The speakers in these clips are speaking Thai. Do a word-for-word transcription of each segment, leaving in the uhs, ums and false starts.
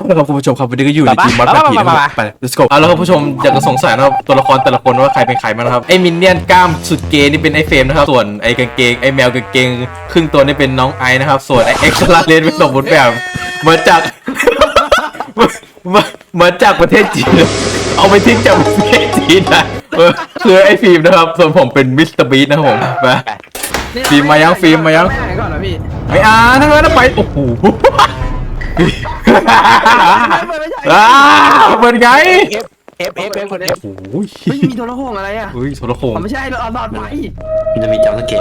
แล้วครับคุณผู้ชมครับวันนี้ก็อยู่ในทีมมัดแบบผีนะครับไป let's go เอาแล้วครับผู้ชมอยากจะสงสัยนะครับตัวละครแต่ละคนว่าใครเป็นใครบ้างนะครับไอ้มินเนี่ยนกล้ามสุดเกย์นี่เป็นไอ้เฟรมนะครับส่วนไอ้กางเกงไอ้แมวกางเกงครึ่งตัวนี่เป็นน้องไอนะครับส่วนไอ้เอ็กซ์ลาเลนเป็นสมบูรณ์แบบมาจากมามาจากประเทศจีนเอาไปทิ้งจากประเทศจีนนะคือไอ้ฟิล์มนะครับส่วนผมเป็นมิสเตอร์บีทนะครับผมไปฟิล์มมายังฟิล์มมายังไม่อ่านทั้งนั้นไปโอ้โหอ่าเป็นไงเอฟเอฟเอฟคนเอฟโอ้ยไม่มีโทรโขงอะไรอ่ะเฮ้ยโทรโขงไม่ใช่เราเอาหลอดไฟมันจะมีจำสเกต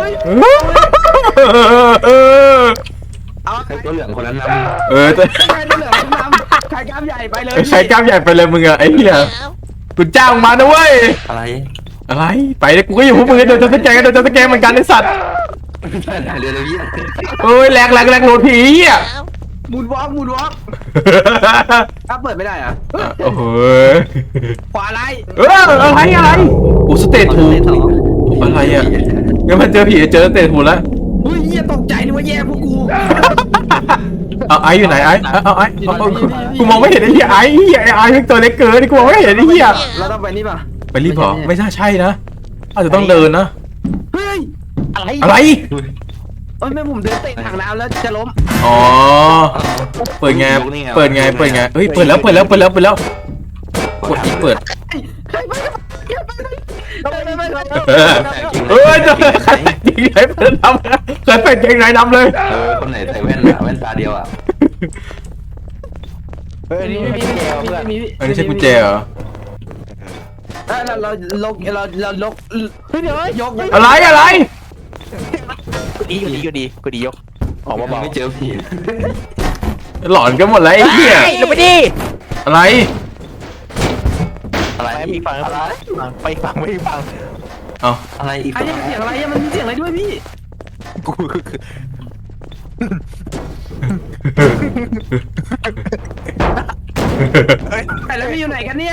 เอาใครตัวเหลืองคนนั้นนเออใครตัวเหลืองน้ำใครกล้ามใหญ่ไปเลยใช้กล้ามใหญ่ไปเลยมึงอะไอ้เหี้ยกูจ้างมานะเว้ยำอะไรอะไรไปเลยกูก็อยู่พวกมึงเดี๋ยวจะสแกนเดี๋ยวจะสแกนเหมือนกันไอ้สัตว์เดี๋ยวเดี๋ยวพี่เอ้ยแหลกแหลกแหลกโหลดผีอ่ะมูดวอล์กมูดวอล์กถ้าเปิดไม่ได้อ่ะโอ้โหขวาไรเอออะไรอะไรโอ้สเตททูอะไรอ่ะงั้นมันเจอผีเจอสเตททูแล้วเฮ้ยอย่าตกใจนึกว่าแย่พวกกูเอาไออยู่ไหนไอเอาไอกูมองไม่เห็นไอ้เหี้ยไอเหี้ยไอไอเป็นตัวเล็กเกินกูมองไม่เห็นไอ้เหี้ยเราต้องไปนี่ป่ะไปรีบเหรอไม่น่าใช่นะอาจจะต้องเดินนะเฮ้ยอะไรอะไรเอ้ยแม่ผมเดินเตะถังน้ำแล้วจะล้มอ๋อเปิดไงเปิดไงเปิดไงเฮ้ยเปิดแล้วเปิดแล้วเปิดแล้วเปิดแล้วกดอีเปิดใครไปไปไปไปเออจะใครยิงไหนเปิดนำใครเป็นยิงไหนนำเลยเออคนไหนใส่แว่นอะแว่นตาเดียวอ่ะเฮ้ยนี่ไม่มีเพื่อนอันนี้ใช่กุญแจเหรอเราเราลกเราเราลกเฮ้ยเดี๋ยวยกอะไรอะไรดีก็ดีก็ดีก็ดียกออกมาบอกไม่เจอผีหลอนกันหมดแล้วไอ้เหี้ยลงไปดิอะไรอะไรมีฟังอะไรไปฟังไม่ฟังเอาอะไรอีกไอ้เนี่ยเสียงอะไรมันมีเสียงอะไรด้วยพี่กูคือไอ้แล้วพี่อยู่ไหนกันเนี่ย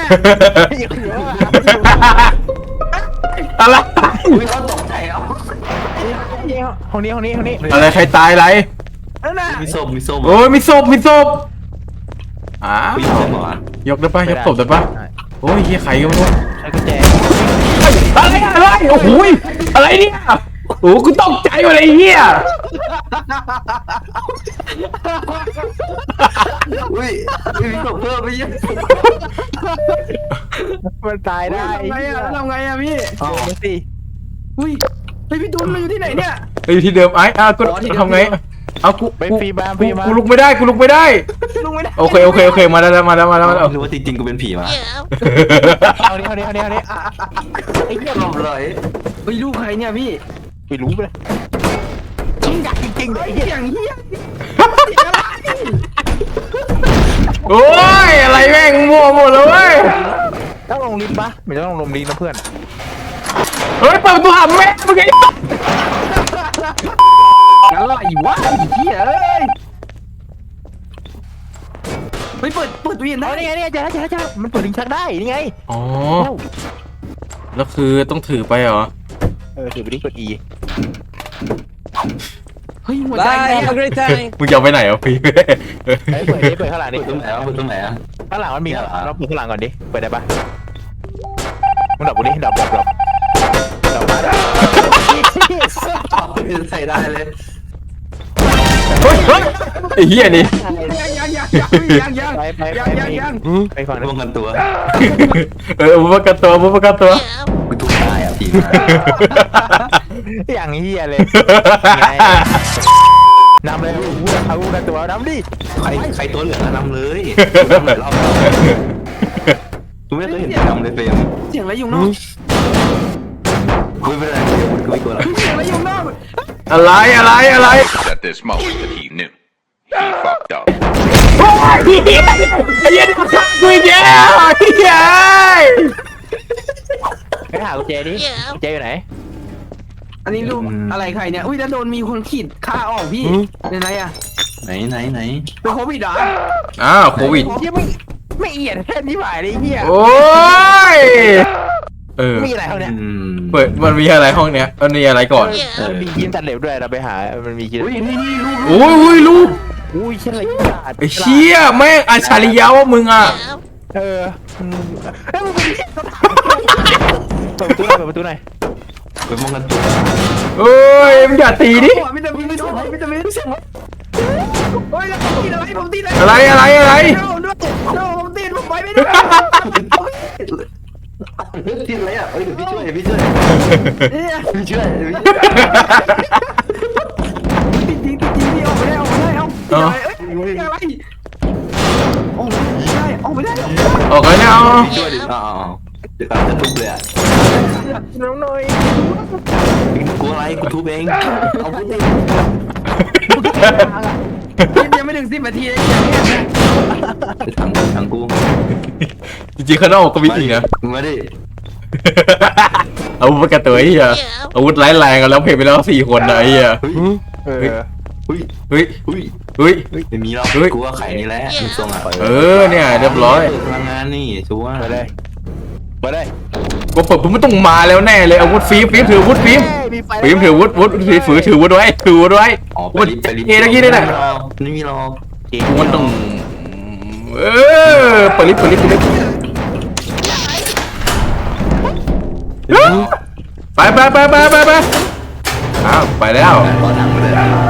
อะไรอุ้ยเขาตกใจเอาห้องนี้ห้องนี้ห้องนี้อะไรใครตายอะไรนั่นน่ะมีส้มมีส้มโอ้ยมีศพมีศพอ้าวมีส้มเหรอยกได้ปะยกศพได้ปะโอ้ยเฮียใครก็ไม่รู้ใช้กุญแจอะไรอะไรโอ้โหอะไรเนี่ยโอ้กูตกใจหมดเลยไอ้เฮียอุ้ยมีศพเพิ่มไปเยอะมันตายได้ทำไงอ่ะทำไงอ่ะพี่อ๋อดูสิอุ้ยไอพี่ตูนเราอยู่ที่ไหนเนี่ยอยู่ที่เดิมไอ้อ่ะกูทำไงเอากูไปฟรีมาฟรีมากูลุกไม่ได้กูลุกไม่ได้ลุงไม่ได้โอเคโอเคโอเคมาแล้วมาแล้วมาแล้วมาแล้วรู้ว่าจริงๆกูเป็นผีมาห้องนี้ห้องนี้ห้องนี้ห้องนี้ไอ้เหี้ยหลบเลยเฮ้ยลูกใครเนี่ยพี่ไม่รู้เลยจริงจริงจริงเลเฮ้ยยอย่างเฮียโอ้ยอะไรแม่งมั่วหมดเลยเว้ยต้องลงลิ้นปะไม่ต้องลงลิ้นนะเพื่อนเฮ้ยเปิดประตูหาแม่เมื่อกี้อะไรวะไอ้เฮียเอ้ยเฮ้ยเปิดเปิดตู้เย็นได้เอานี่ไงนี่ไงเจอแล้วเจอแล้วเจอแล้วมันเปิดลิ้นชักได้นี่ไงอ๋อแล้วคือต้องถือไปเหรอเออถือไปดิกด E เฮ้ยหัวใจแตกมึงจะเอาไปไหนอ่ะพี่เฮ้ยเปิดดิเปิดข้างหลังดิเปิดตรงไหนวะเปิดตรงไหนอ่ะข้างหลังมันมีเราเปิดข้างหลังก่อนดิเปิดได้ปะมึงดับกูดิดับดับดับดับมาดับใส่ได้เลยเฮ้ยเฮ้ยไอ้เหี้ยนี่ยังยังยังยังยังไปไปยังยังยังไปฝั่งนั้นป้องกันตัวเออมุประกันตัวมุประกันตัวกูทุกตายอ่ะผีมาอย่างเฮียเลยนำเลยเอาลูกตัวน้ำดิใครใครตัวเหลืองนำเลยนำหลายรอบกูไม่เคยเห็นนำเลยเฟรมเสียงอะไรอยู่นอกกูไม่เป็นไรกูไม่กลัวหรอกเสียงอะไรอยู่นอกอะไรอะไรอะไร At this moment that he knew, he fucked up. โอ้ยไอ้เหี้ยไอ้เหี้ยนี่มันฆ่ากูอีกแล้วไอ้เหี้ยไปหากุญแจดิกุญแจอยู่ไหนอันนี้รูปอะไรใครเนี่ยอุ้ยแล้วโดนมีคนขีดค่าออกพี่ในไหนอ่ะไหนไหนไหนเป็นโควิดเหรออ้าวโควิดเฮียไม่ไม่เอียดแค่นี้หมายเลยเฮียโอ้ยเออมีอะไรเขาเนี่ยอืมเปิดมันมีอะไรห้องเนี้ยมันมีอะไรก่อนมันมียิมตัดเล็บด้วยเราไปหามันมียิมอุ้ยนี่นี่รูปโอ้ยโอ้ยลูกอุ้ยเชี่ยอะไรไอ้เชี่ยแม่งอัจฉริยะว่ามึงอ่ะเออเอ้ยมึงเป็นเปิดประตูหน่อยเปิดประตูหน่อยไปป้องกันตัวเอ้ยมึงอย่าตีดิวิตามินวิตามินวิตามินโอ้ยแล้วผมตีอะไรผมตีอะไรอะไรอะไรอะไรโดนด้วยโดนผมตีผมไปไม่ได้ที่อะไรอ่ะเอ้ยเดี๋ยวพี่ช่วยเดี๋ยวพี่ช่วยเนี่ยพี่ช่วยติดจริงติดจริงนี่ออกไม่ได้ออกไม่ได้เอาอะไรเอ้ยอะไรออกไม่ได้ออกไม่ได้ออกเลยเนี่ยเอาพี่ช่วยดิอ๋อเดี๋ยวจะทุบเลยอ่ะน้องหน่อยกูอะไรกูทุบเองเอาพูดดิยังไม่ถึงสิบนาทีเลยทางทางกูจริงๆข้างนอกก็มีอีกนะมาดิอาวุธประกันตัวไอ้เหี้ยอาวุธร้ายแรงกันแล้วเพลงไปแล้วสี่คนนะไอ้เหี้ยเฮ้ยเออเฮ้ยเฮ้ยเฮ้ยเฮ้ยไม่มีหรอกกูว่าไข่นี่แหละมึงทรงอ่ะเออเนี่ยเรียบร้อยพลังงานนี่ชัวร์ไปเลยไปเลยกูเปิดผมไม่ต้องมาแล้วแน่เลยอาวุธฟิล์มฟิล์มถืออาวุธฟิล์มมีไฟฟิล์มถืออาวุธวุธถือฝือถืออาวุธไว้ถืออาวุธไว้อ๋อไปวุธรีบไปรีบเอตะกี้นี่แหละไม่มีหรอกกูมันต้องเออเปิดลิฟต์เปิดลิฟต์เปิดลิฟต์ไปไปไปไปไปไปอ้าวไปแล้วขอทางไปเลย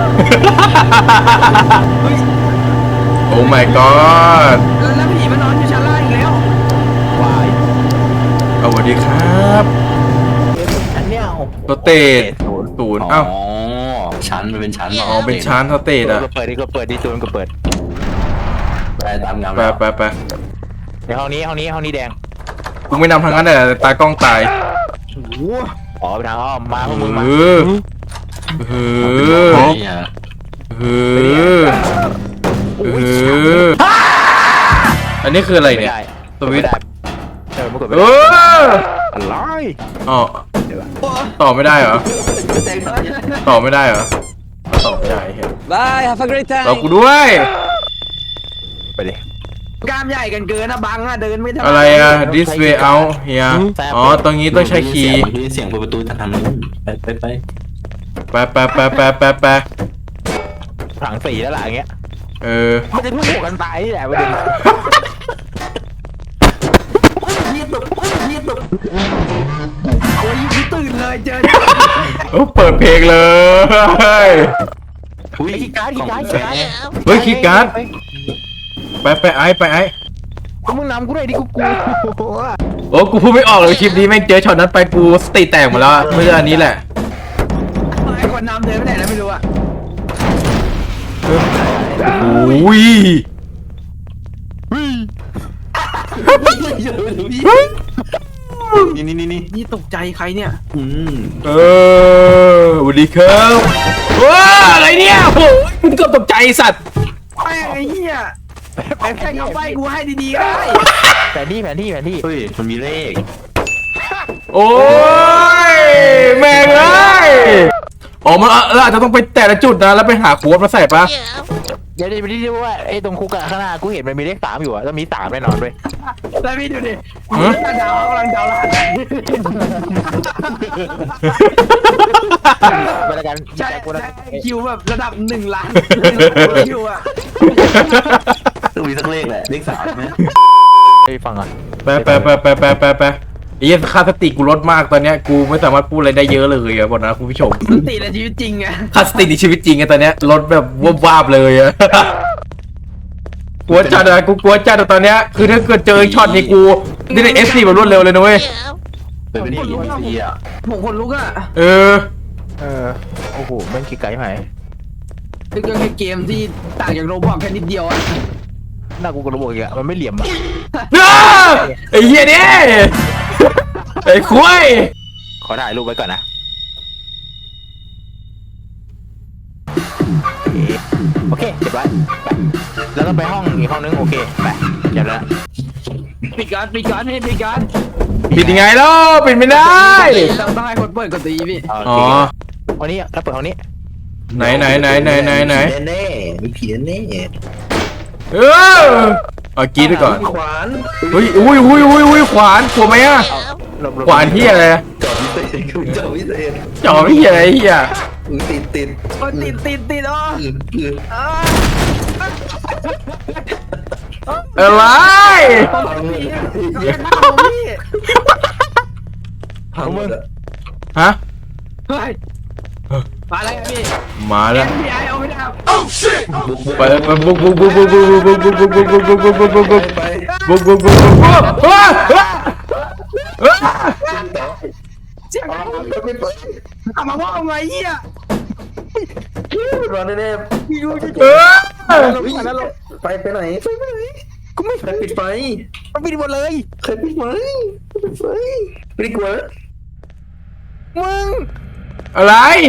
โอ้ my god แล้วผีมันนอนอยู่ชั้นล่างอีกแล้ววายสวัสดีครับอันเนี้ยสเตทศูนย์อ๋ออ้าวชั้นมันเป็นชั้นหรออ๋อเป็นชั้นสเตทก็อะเปิดดิก็เปิดดิตูนก็เปิดไปตามงานไปไปไปในห้องนี้ห้องนี้ห้องนี้แดงกูไม่นำทางนั้นแต่ตากล้องตายอ๋อไปทางอ้อมมาพวกมึงมาเออเออเนี่ยเออเอออันนี้คืออะไรไม่เนี่ยได้สวิตช์ไม่ได้เออมึงกดไม่เอได้ออะไรอ๋อต่อไม่ได้เหรอต่อไม่ได้เหรอต่อไม่ได้เห็น Bye have a great รอกูด้วยไปดิกล้ามใหญ่กันเกินนะบังอะเดินไม่ได้อะไรอะ this way out เฮียอ๋อตรงนี้ต้องใช้คีย์ได้ยินเสียงเปิดประตูจากทางนู้นไปไปไปไปไปไปไปไปไปถังสีแล้วล่ะอย่างเงี้ยเออมันจะพุ่งกันตายนี่แหละประเด็นโอ้ยกูตื่นเลยเจอโอ้เปิดเพลงเลยอุ้ยไอ้ขี้การ์ดขี้การ์ดกล่ขี้องการ์ดเฮ้ยคีย์การ์ดไปไปไอไปไอมึงนำกูเลยดิกูกูโอ้กูพูดไม่ออกเลยคลิปนี้แม่งเจอช็อตนั้นไปกูสติแตกหมดแล้วอะไม่ใช่อันนี้แหละไอ้คนนำเดินไปไหนแล้วไม่รู้อะโอ้ยนี่นี่นี่นี่นี่ตกใจใครเนี่ยอืมเออสวัสดีครับว้าอะไรเนี่ยโอ้ยมึงเกือบตกใจไอ้สัตว์แม่งไอ้เหี้ยไปแค่เอาไปกูให้ดีๆก็ได้แผนที่แผนที่แผนที่เฮ้ยมันมีเลขโอ้ยแม่งเลยอ๋อมันเราอาจจะต้องไปแต่ละจุดนะแล้วไปหาโค้ดมาใส่ปะเดี๋ยวไปที่ว่าไอ้ตรงคุกอะข้างหน้ากูเห็นมันมีเลขสามอยู่อะต้องมีสามแน่นอนด้วยแล้วพี่ดูดิดาวกำลังดาวล้านไปแล้วกันใช่กูนะคิวแบบระดับหนึ่งล้านคิวอะต้องมีสักเลขแหละเลขสามไหมไอ้ฟังอ่ะไปไปไปไปไปไปไปไอ้เหี้ยค่าสติกูลดมากตอนเนี้ยกูไม่สามารถพูดอะไรได้เยอะเลยอะบอกนะคุณผู้ชมสติในชีวิตจริงไงค่าสติในชีวิตจริงอะตอนเนี้ยลดแบบวบวาบเลยอะกลัวจัดอะกูกลัวจัดอะตอนเนี้ยคือถ้าเกิดเจอช็อตนี้กูนี่ในเอฟซีแบบรวดเร็วเลยนะเว้ยเป็นเป็นอีพีอ่ะผมคนลุกอะเออเออโอ้โหแม่งขี้ไก่ไหมเป็นแค่เกมที่ต่างจากโรบอทแค่นิดเดียวอะหน้ากูกระโดดอีกอะมันไม่เหลี่ยมอะอ้าไอ้เหี้ยเนี่ยไอ้คุ้ยขอถ่ายรูปไว้ก่อนนะโอเคเรียบร้อยไปแล้วต้องไปห้องอีกห้องนึงโอเคไปเดี๋ยวแล้วปิดการ์ดปิดการ์ดให้ปิดการ์ดปิดยังไงล่ะปิดไม่ได้ต้องต้องให้คนเปิดกดตีพี่โออ๋อเคห้องนี้แล้วเปิดห้องนี้ไหนไหนไหนไหนไหนไหนแน่มีผีแน่เออเอากรีดไปก่อนขวานอุ้ยอุ้ยอุ้ยอุ้ยอุ้ยขวานกลัวไหมอะหลบหลบขวานที่อะไรจอดพิเศษจอดพิเศษจ่อไม่เหี้ยอะไรเหี้ยติดติดโอ้ติดติดติดอ๋ออืดอืดอ่าอะไรพังหมดอะฮะเฮ้ยมาแล้วพี่มาแล้วพี่ไอเอาไม่ได้บุกบุกไปไปบุกบุกบุกบุกบุกบุกบุกบุกบุกบุกบุกบุกบุกบุกบุกไปบุกบุกบุกบุกบุกเฮ้ยเฮ้ยเสียงเอามาว่าเอาไงเหี้ยรอแน่พี่ดูจะเออๆไปไปไหนไปไปไหนกูไม่ใครปิดไฟมันปิดหมดเลยใครปิดไฟปิดไฟไม่ได้กลัวมึงอะไร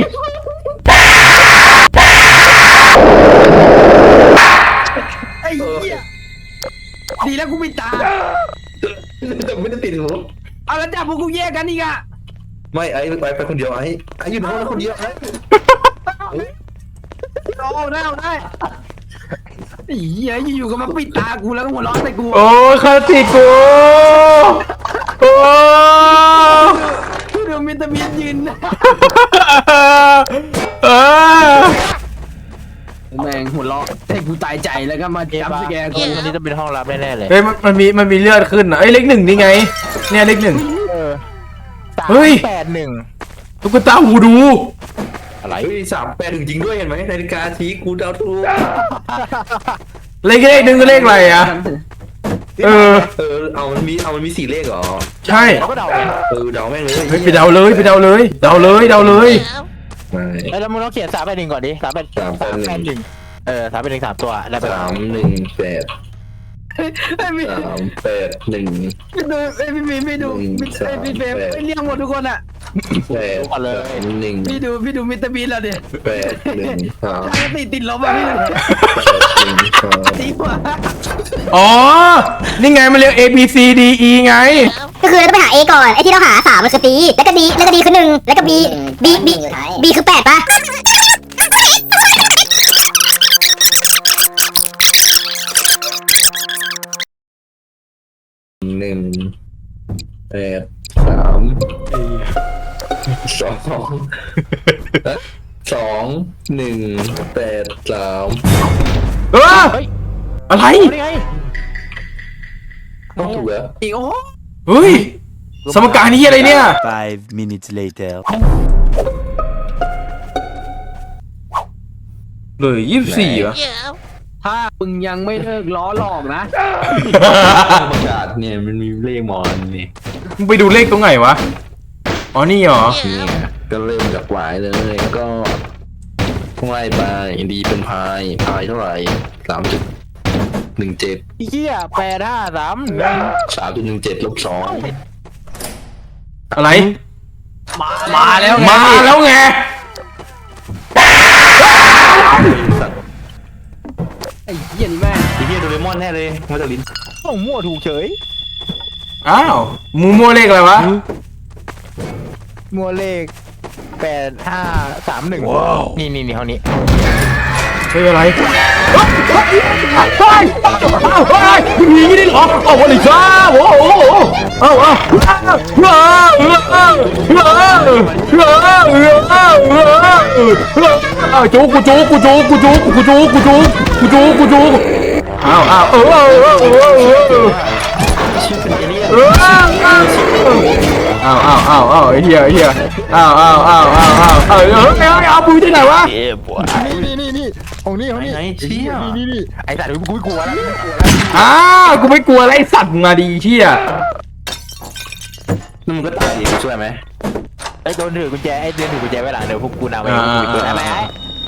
ไอ้เหี้ยดีแล้วกูปิดตาแต่ไม่ได้ติดหูเอาแล้วจับพวกกูแยกกันอีกอะไม่ไอ้ไปไปคนเดียวไอ้ไอ้อยู่ในห้องแล้วคนเดียวไอ้เอาได้เอาได้ไอ้เหี้ยอยู่ๆก็มาปิดตากูแล้วก็หัวเราะใส่กูโอ้ยคาติกูโอ้พี่ดูมิสเตอร์บีนยืนเออแม่งหัวเราะให้กูตายใจแล้วก็มาจับสแกนกูอันนี้ต้องเป็นห้องลับแน่ๆเลยเฮ้ยมันมันมีมันมีเลือดขึ้นอ่ะเอ้ยเลขหนึ่งนี่ไงเนี่ยเลขหนึ่งเออสามเฮ้ยแปดหนึ่งตุ๊กตาหูดูอะไรเฮ้ยสามแปดถึงจริงด้วยเห็นไหมนาฬิกาชี้กูเดาถูกเลขเลขหนึ่งก็เลขอะไรอ่ะเออเออเอามันมีเอามันมีสี่เลขเหรอใช่เราก็เดาไงเออเดาแม่งเลยเฮ้ยไปเดาเลยไปเดาเลยเดาเลยเดาเลยไม่เอ้ยแล้วมึงต้องเขียนสามแปดหนึ่งก่อนดิสามแปดสามแปดหนึ่งหนึ่งเออสามแปดหนึ่งสามตัวได้ไปสามหนึ่งแปดไอ้พี่สามแปดหนึ่งพี่ดูไอ้พี่พี่พี่ดูมิสเตอร์บีนไอ้เรียงหมดทุกคนอะแปดสามหนึ่งพี่ดูพี่ดูมิสเตอร์บีนแล้วเนี่ยแปดหนึ่งสามถ้าติดติดลบอะพี่แปดหนึ่งสามตีหัวอ๋อนี่ไงมันเรียก A B C D E ไงก็คือต้องไปหา A ก่อน ไอ้ที่เราหาสามมันคือ D แล้วก็ D แล้วก็ D คือหนึ่งแล้วก็ B B B B คือแปดปะหนึ่งแปดสามสองสองหนึ่งแปดสามเออเฮ้ยอะไรนี่ไงต้องถูกแล้วอีกโอ้โหเฮ้ยสมการนี้อะไรเนี่ย Five minutes later. เลยยี่สิบสี่เหรอถ้ามึงยังไม่เลิกล้อหลอกนะประกาศเนี่ยมันมีเลขมอนนี่มึงไปดูเลขตรงไหนวะอ๋อนี่เหรอเนี่ยก็เริ่มจากหวายเลยแล้วก็ไล่ไปดีเป็นพายพายเท่าไหร่สามจุดหนึ่งเจ็ดไอ้เหี้ยแปดห้าสามหนึ่งสามจุดหนึ่งเจ็ดลบสองอะไรมามาแล้วไงมาแล้วไงไอ้เหี้ยนี่แม่งไอ้เหี้ยโดเรมอนแน่เลยมาจากลิ้นโอ้มั่วถูกเฉยอ้าวมูมัวเลขอะไรวะมั่วเลขแปดห้าสามหนึ่งนี่นี่นี่ห้องนี้เฮ้ยอะไรเฮ้ยเฮ้ยเฮ้ยมีอย่างนี้ได้เหรอเอาวันนี้จ้าโอ้โหเอาเอาเอาจูกูจูกูจูกูจูกูจูกูจูกูจูกูจูเอาเอาเออเออเออเออเออชื่อเป็นเอเลี่ยนเอาเอาเอาเอาไอ้เหี้ยไอ้เหี้ยเอาเอาเอาเอาเอาเอาเออเอาเอาปุ้ยที่ไหนวะนี่นี่นี่ห้องนี้ห้องนี้ไหนเชี่ยนี่นี่นี่ไอ้สัตว์กูไม่กลัวแล้วอ้าวกูไม่กลัวอะไรไอ้สัตว์มาดีเชี่ยนั่นมันก็ตายดิช่วยไหมไอ้โดนถือกุญแจไอ้เดินถือกุญแจไว้หลังเดี๋ยวพวกกูนำไปกูเปิดอะไรไอ้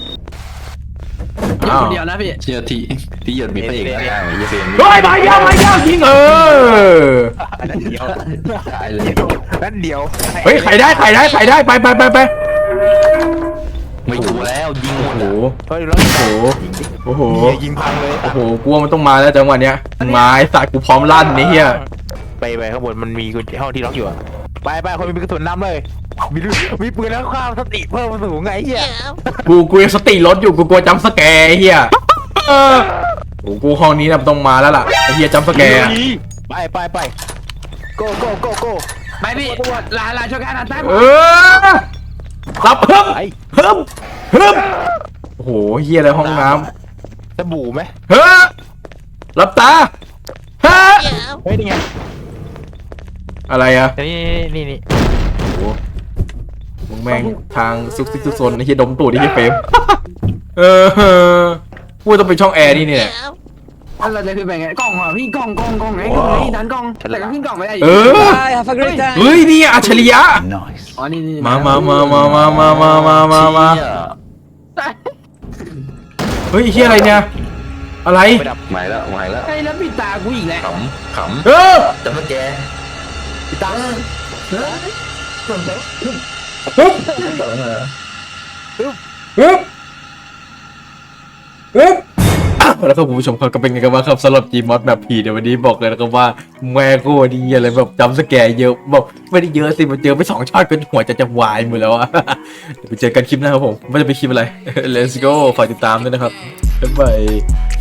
เดี๋ยวคนเดียวนะพี่เชี่ยที่ที่หยดมีพระเอกแล้วไอ้เหี้ยเฟรมเฮ้ยมาเยอะมาเยอะจริงเออนั่นเดียวตายเลยนั่นเดียวเฮ้ยไข่ได้ไข่ได้ไข่ได้ไปไปไปไปไม่ถูกแล้วยิงหมดโอ้โหอ่ะเฮ้ยแล้วโอ้โหโอ้โหยิงพังเลยโอ้โหกลัวมันต้องมาแล้วจังหวะเนี้ยมาไอ้สัตว์กูพร้อมลั่นนี่เฮียไปไปข้างบนมันมีกุญแจห้องที่ล็อกอยู่อะไปไปคนมีกระสุนนำเลยมีมีปืนแล้วข้าวสติเพิ่มมาสูงไงเหี้ยกูกูยังสติรถอยู่กูกลัวจำสแกร์ไอ้เฮียเออโอ้กูห้องนี้นะต้องมาแล้วล่ะไอ้เฮียจำสแกร์ไปไปไปโก้โก้โก้โก้ไปพี่ลาลาช่วยกันนะตั้งเออรับเพิ่มไปเพิ่มเพิ่มโอ้โหเฮียอะไรห้องน้สบู่ไหมเฮ้ยหลับตาฮะเฮ้ยนี่ไงอะไรอะนี่นี่นี่โอ้โหมึงแม่งทางซุกซิกซุกซนไอ้เหี้ยดมตูดไอ้เหี้ยเฟรม เออพูดต้องเป็นช่องแอร์นี่เนี่ยอันเราจะขึ้นไปไงกล่องเหรอพี่กล่องกล่องกล่องไงกล่องไงดันกล่องแต่ก็ขึ้นกล่องไม่ได้เออ เฮ้ยนี่อัจฉริยะ Nice. อ๋อนี่นี่มามามามามามามามามามาเฮ้ยไอ้เหี้ยอะไรเนี่ย อะไรไม่ดับหมายแล้วหมายแล้วไอ้แล้วปิดตากูอีกแล้วขำขเออำจำสแกร์พี่ตังเฮ้ยฮึบเออฮึบฮึบอ่ะแล้วก็คุณผู้ชมครับก็เป็นไงกันบ้างครับสำหรับ Gmod แบบผีเดี๋ยววันนี้บอกเลยนะครับว่าแม่กูดีอะไรแบบจำสแกร์เยอะบอกไม่ได้เยอะสิมันเจอไปสองช็อตเป็นหัวจะจะวายหมดแล้วอะ เดี๋ยวไปเจอกันคลิปหน้าครับผมไม่าจะเป็นคลิปอะไร let's go ฝากติดตามด้วยนะครับบ๊ายบาย